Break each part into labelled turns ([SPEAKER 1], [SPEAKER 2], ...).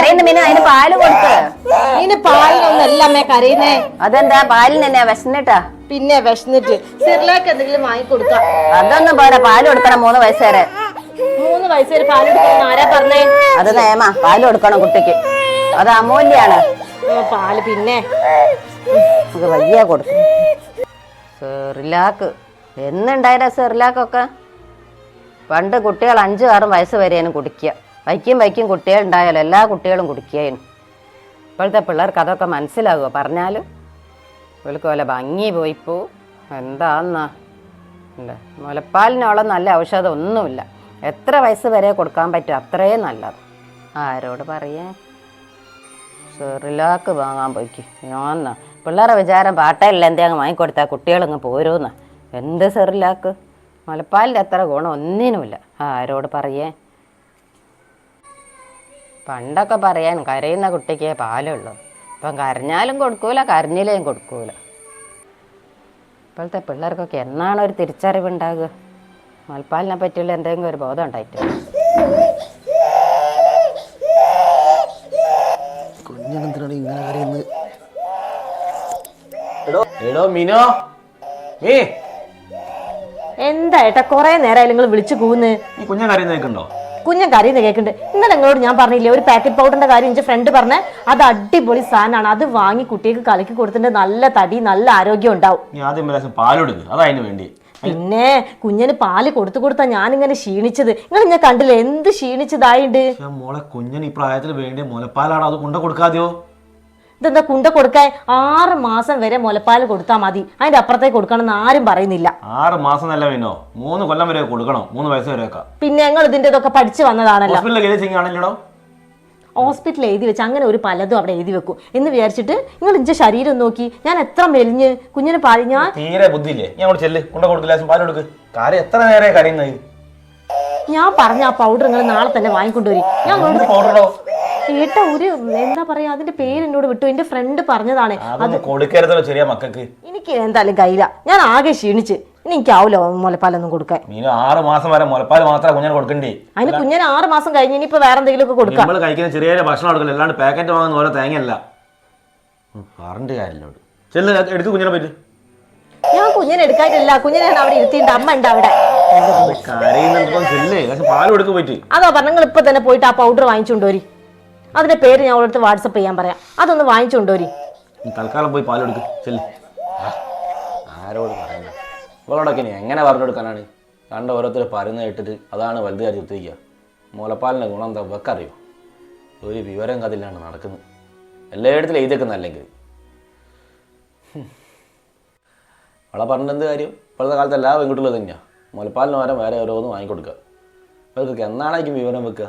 [SPEAKER 1] കരയുന്ന മീന അതിന് പാല് കൊടുക്ക്.
[SPEAKER 2] ഇതിന് പാലിനൊന്നല്ല അമ്മേ കരയുന്നേ.
[SPEAKER 1] അതെന്താ പാലിന് തന്നെ വിശന്നിട്ടാ?
[SPEAKER 2] പിന്നെ വിശന്നിട്ട് സിറിലാക്ക് എന്തെങ്കിലും വാങ്ങിക്കൊടുക്കാം.
[SPEAKER 1] അതൊന്നും പോരാ, പാല് കൊടുക്കണം 3 വയസ്സ് വരെ.
[SPEAKER 2] 3 വയസ്സ് വരെ പാല് കൊടുക്കണം ആരാ പറഞ്ഞേ?
[SPEAKER 1] അത് നിയമ, പാല് കൊടുക്കണം കുട്ടിക്ക്, അത് അമൂല്യാണ്.
[SPEAKER 2] പാല് പിന്നെ
[SPEAKER 1] നമുക്ക് വയ്യ കൊടുക്കും. സെറിലാക്ക് എന്നുണ്ടായിരാ സെറിലാക്കൊക്കെ? പണ്ട് കുട്ടികൾ 5-6 വയസ്സ് വരെയാണ് കുടിക്കുക. വയ്ക്കും കുട്ടികൾ ഉണ്ടായാലും എല്ലാ കുട്ടികളും കുടിക്കുകയും. ഇപ്പോഴത്തെ പിള്ളേർക്ക് അതൊക്കെ മനസ്സിലാകുമോ പറഞ്ഞാലും? ഇവൾക്ക് വല്ല ഭംഗി പോയിപ്പോ എന്താന്നാ അല്ലേ. മുലപ്പാലിനോളം നല്ല ഔഷധം ഒന്നുമില്ല. എത്ര വയസ്സ് വരെ കൊടുക്കാൻ പറ്റും അത്രയും നല്ലത്. ആരോട് പറയാ? സെറിലാക്ക് വാങ്ങാൻ പോയിക്ക് ഞാന്നാ. പിള്ളേരെ വിചാരം പാട്ടയില്ല എന്തെങ്കിലും വാങ്ങിക്കൊടുത്താൽ കുട്ടികളങ്ങ് പോരുമെന്നാ. എന്ത് സെറിലാക്ക്? മുലപ്പാലിൻ്റെ അത്ര ഗുണം ഒന്നിനുമില്ല. ആരോട് പറയേ? പണ്ടൊക്കെ പറയാൻ കരയുന്ന കുട്ടിക്കേ പാലുള്ളൂ. ഇപ്പം കരഞ്ഞാലും കൊടുക്കൂല, കരഞ്ഞില്ലേയും കൊടുക്കൂല. ഇപ്പോഴത്തെ പിള്ളേർക്കൊക്കെ എന്നാണ് ഒരു തിരിച്ചറിവുണ്ടാകുക? മുലപ്പാലിനെ പറ്റിയുള്ള എന്തെങ്കിലും ഒരു ബോധം ഉണ്ടായിട്ട്.
[SPEAKER 2] എന്താ ഏട്ടാ കൊറേ നേരമായി നിങ്ങൾ വിളിച്ചു കൂന്ന്?
[SPEAKER 3] കുഞ്ഞൻ കരയുന്നേക്കുണ്ടോ?
[SPEAKER 2] കുഞ്ഞൻ കരയുന്ന കേൾക്കുന്നുണ്ട്. ഇന്നലെ നിങ്ങളോട് ഞാൻ പറഞ്ഞില്ലേ ഒരു പാക്കറ്റ് പൗഡറിന്റെ കാര്യം? എന്റെ ഫ്രണ്ട് പറഞ്ഞ അത് അടിപൊളി സാധനമാണ്, അത് വാങ്ങി കുട്ടികൾക്ക് കലക്കി കൊടുത്തിട്ട് നല്ല തടി നല്ല ആരോഗ്യം ഉണ്ടാവും. പിന്നെ കുഞ്ഞിന് പാല് കൊടുത്താ ഞാനിങ്ങനെ ക്ഷീണിച്ചത്. നിങ്ങൾ ഞാൻ കണ്ടില്ലേ എന്ത് ക്ഷീണിച്ചതായിട്ട്.
[SPEAKER 3] മോളെ കുഞ്ഞൻ ഈ പ്രായത്തിൽ വേണ്ടി മുലപ്പാലാണ്, അത് കൊണ്ട കൊടുക്കാതെയോ?
[SPEAKER 2] ഇതെന്താ കുണ്ട കൊടുക്കാൻ? 6 മാസം വരെ മുലപ്പാൽ കൊടുത്താൽ മതി, അതിന്റെ അപ്പുറത്തേക്ക് കൊടുക്കണം എന്ന് ആരും പറയുന്നില്ല.
[SPEAKER 3] 6 മാസം നല്ല വേണോ? 3 കൊല്ലം വരെ കൊടുക്കണം, 3 വയസ്സ് വരെ.
[SPEAKER 2] പിന്നെ ഞങ്ങൾ ഇതിന്റെ ഇതൊക്കെ പഠിച്ചു വന്നതാണല്ലോ. ഹോസ്പിറ്റലിൽ എഴുതി വെച്ച് അങ്ങനെ ഒരു പലതും അവിടെ എഴുതി വെക്കും എന്ന് വിചാരിച്ചിട്ട് നിങ്ങൾ ഇഞ്ച ശരീരം നോക്കി ഞാൻ എത്ര മെലിഞ്ഞ് കുഞ്ഞിന് പാല്. ഞാൻ
[SPEAKER 3] തീരെ ബുദ്ധിയില്ലേ?
[SPEAKER 2] ഞാൻ പറഞ്ഞ ആ പൗഡർ നിങ്ങൾ നാളെ തന്നെ വാങ്ങിക്കൊണ്ടുവരി. ഞാൻ കേട്ട ഒരു എന്താ പറയാ അതിന്റെ പേര് എന്നോട് വിട്ടു. എന്റെ ഫ്രണ്ട് പറഞ്ഞതാണ്. എനിക്ക് എന്തായാലും കയ്യില, ഞാൻ ആകെ ക്ഷീണിച്ച്. ഇനി എനിക്കാവൂല മുലപ്പാലൊന്നും കൊടുക്കാൻ.
[SPEAKER 3] 6 മാസം വരെ മുലപ്പാൽ മാത്രമേ കുഞ്ഞിന് കൊടുക്കണ്ടേ?
[SPEAKER 2] അതിന് കുഞ്ഞിന് 6 മാസം കഴിഞ്ഞ് ഇനിയിപ്പോ വേറെ എന്തെങ്കിലും ഒക്കെ കൊടുക്കാം.
[SPEAKER 3] കഴിക്കുന്ന ചെറിയ ഭക്ഷണം കൊടുക്കില്ല, അല്ലാണ്ട് പാക്കറ്റ് വാങ്ങുന്ന ഓരോ തേങ്ങയല്ല. പറഞ്ഞിട്ട് കാര്യമില്ലോട് എടുത്ത് കുഞ്ഞിനെ പറ്റി.
[SPEAKER 2] ഞാൻ കുഞ്ഞിനെ എടുക്കാനില്ല, കുഞ്ഞിനെ അവിടെ ഇരുത്തിയിട്ട് അമ്മ ഉണ്ട് അവിടെ. അതോ പറഞ്ഞ നിങ്ങൾ ഇപ്പൊ തന്നെ പോയിട്ട് ആ പൗഡർ വാങ്ങിച്ചുകൊണ്ടുവരി. അതിന്റെ പേര് ഞാൻ അവളടുത്ത് വാട്സപ്പ് ചെയ്യാൻ പറയാം. അതൊന്ന് വാങ്ങിച്ചുകൊണ്ടുവരി.
[SPEAKER 3] തൽക്കാലം പോയി പാലെടുക്ക് ചെല്ല്. ആരോട് പറയുന്നത്? ഇവളോടൊക്കെ ഇനി എങ്ങനെ പറഞ്ഞു കൊടുക്കാനാണ്? കണ്ട ഓരോരുത്തർ പറയുന്നത് കേട്ടിട്ട് അതാണ് വലുതായി ചിന്തിക്കുക. മുലപ്പാലിൻ്റെ ഗുണം എന്താ വെക്കറിയോ? ഒരു വിവരം കഥയിലാണ് നടക്കുന്നത്. എല്ലായിടത്തിലും എഴുതിയേക്കുന്ന അല്ലെങ്കിൽ അവളെ പറഞ്ഞിട്ട് എന്ത് കാര്യം? ഇപ്പോഴത്തെ കാലത്ത് എല്ലാ പെൺകുട്ടികളും തന്നെയാണ് മുലപ്പാലിന് പകരം വേറെ ഓരോന്നും വാങ്ങിക്കൊടുക്കുക. ഇവർക്കൊക്കെ എന്നാണേക്കും വിവരം വെക്കുക?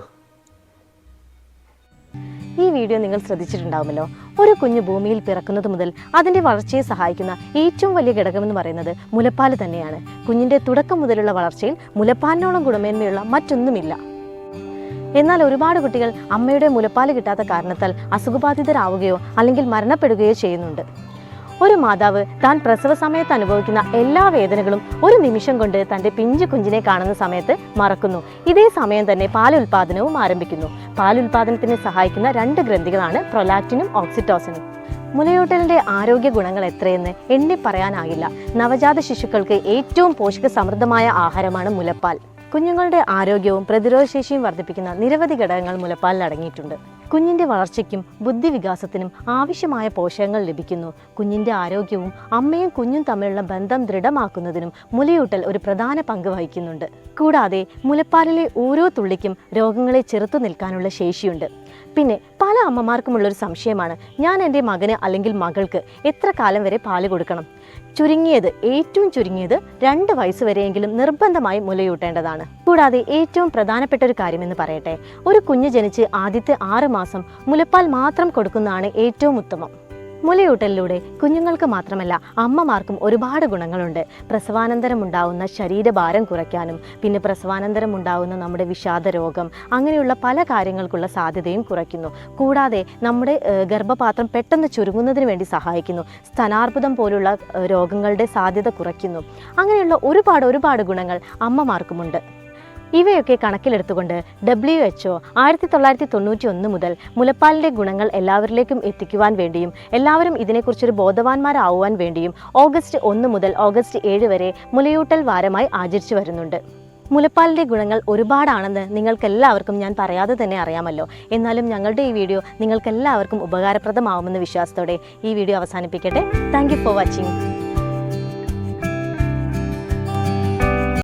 [SPEAKER 2] ഈ വീഡിയോ നിങ്ങൾ ശ്രദ്ധിച്ചിട്ടുണ്ടാവുമല്ലോ. ഒരു കുഞ്ഞ് ഭൂമിയിൽ പിറക്കുന്നത് മുതൽ അതിൻ്റെ വളർച്ചയെ സഹായിക്കുന്ന ഏറ്റവും വലിയ ഘടകമെന്ന് പറയുന്നത് മുലപ്പാൽ തന്നെയാണ്. കുഞ്ഞിൻ്റെ തുടക്കം മുതലുള്ള വളർച്ചയിൽ മുലപ്പാലിനോളം ഗുണമേന്മയുള്ള മറ്റൊന്നുമില്ല. എന്നാൽ ഒരുപാട് കുട്ടികൾ അമ്മയുടെ മുലപ്പാൽ കിട്ടാത്ത കാരണത്താൽ അസുഖബാധിതരാവുകയോ അല്ലെങ്കിൽ മരണപ്പെടുകയോ ചെയ്യുന്നുണ്ട്. ഒരു മാതാവ് താൻ പ്രസവ സമയത്ത് അനുഭവിക്കുന്ന എല്ലാ വേദനകളും ഒരു നിമിഷം കൊണ്ട് തൻ്റെ പിഞ്ചു കുഞ്ഞിനെ കാണുന്ന സമയത്ത് മറക്കുന്നു. ഇതേ സമയം തന്നെ പാലുൽപാദനവും ആരംഭിക്കുന്നു. പാലുൽപാദനത്തിന് സഹായിക്കുന്ന 2 ഗ്രന്ഥികളാണ് പ്രൊലാക്റ്റിനും ഓക്സിറ്റോസിനും. മുലയൂട്ടലിന്റെ ആരോഗ്യ ഗുണങ്ങൾ എത്രയെന്ന് എണ്ണി പറയാനാകില്ല. നവജാത ശിശുക്കൾക്ക് ഏറ്റവും പോഷക സമൃദ്ധമായ ആഹാരമാണ് മുലപ്പാൽ. കുഞ്ഞുങ്ങളുടെ ആരോഗ്യവും പ്രതിരോധശേഷിയും വർദ്ധിപ്പിക്കുന്ന നിരവധി ഘടകങ്ങൾ മുലപ്പാലിൽ അടങ്ങിയിട്ടുണ്ട്. കുഞ്ഞിന്റെ വളർച്ചയ്ക്കും ബുദ്ധിവികാസത്തിനും ആവശ്യമായ പോഷകങ്ങൾ ലഭിക്കുന്നു. കുഞ്ഞിന്റെ ആരോഗ്യവും അമ്മയും കുഞ്ഞും തമ്മിലുള്ള ബന്ധം ദൃഢമാക്കുന്നതിനും മുലയൂട്ടൽ ഒരു പ്രധാന പങ്ക് വഹിക്കുന്നുണ്ട്. കൂടാതെ മുലപ്പാലിലെ ഓരോ തുള്ളിക്കും രോഗങ്ങളെ ചെറുത്തു നിൽക്കാനുള്ള ശേഷിയുണ്ട്. പിന്നെ പല അമ്മമാർക്കുമുള്ളൊരു സംശയമാണ്, ഞാൻ എൻ്റെ മകന് അല്ലെങ്കിൽ മകൾക്ക് എത്ര കാലം വരെ പാല് കൊടുക്കണം? ഏറ്റവും ചുരുങ്ങിയത് 2 വയസ്സ് വരെയെങ്കിലും നിർബന്ധമായി മുലയൂട്ടേണ്ടതാണ്. കൂടാതെ ഏറ്റവും പ്രധാനപ്പെട്ട ഒരു കാര്യമെന്ന് പറയട്ടെ, ഒരു കുഞ്ഞ് ജനിച്ച് ആദ്യത്തെ 6 മാസം മുലപ്പാൽ മാത്രം കൊടുക്കുന്നതാണ് ഏറ്റവും ഉത്തമം. മുലയൂട്ടലിലൂടെ കുഞ്ഞുങ്ങൾക്ക് മാത്രമല്ല അമ്മമാർക്കും ഒരുപാട് ഗുണങ്ങളുണ്ട്. പ്രസവാനന്തരം ഉണ്ടാകുന്ന ശരീരഭാരം കുറയ്ക്കാനും പിന്നെ പ്രസവാനന്തരം ഉണ്ടാകുന്ന നമ്മുടെ വിഷാദ രോഗം അങ്ങനെയുള്ള പല കാര്യങ്ങൾക്കുള്ള സാധ്യതയും കുറയ്ക്കുന്നു. കൂടാതെ നമ്മുടെ ഗർഭപാത്രം പെട്ടെന്ന് ചുരുങ്ങുന്നതിന് വേണ്ടി സഹായിക്കുന്നു. സ്തനാർബുദം പോലുള്ള രോഗങ്ങളുടെ സാധ്യത കുറയ്ക്കുന്നു. അങ്ങനെയുള്ള ഒരുപാട് ഗുണങ്ങൾ അമ്മമാർക്കുമുണ്ട്. ഇവയൊക്കെ കണക്കിലെടുത്തുകൊണ്ട് WHO 1991 മുതൽ മുലപ്പാലിൻ്റെ ഗുണങ്ങൾ എല്ലാവരിലേക്കും എത്തിക്കുവാൻ വേണ്ടിയും എല്ലാവരും ഇതിനെക്കുറിച്ചൊരു ബോധവാന്മാരാവുവാൻ വേണ്ടിയും ഓഗസ്റ്റ് 1 മുതൽ ഓഗസ്റ്റ് 7 വരെ മുലയൂട്ടൽ വാരമായി ആചരിച്ചു വരുന്നുണ്ട്. മുലപ്പാലിൻ്റെ ഗുണങ്ങൾ ഒരുപാടാണെന്ന് നിങ്ങൾക്കെല്ലാവർക്കും ഞാൻ പറയാതെ തന്നെ അറിയാമല്ലോ. എന്നാലും ഞങ്ങളുടെ ഈ വീഡിയോ നിങ്ങൾക്കെല്ലാവർക്കും ഉപകാരപ്രദമാവുമെന്ന വിശ്വാസത്തോടെ ഈ വീഡിയോ അവസാനിപ്പിക്കട്ടെ. Thank you for watching.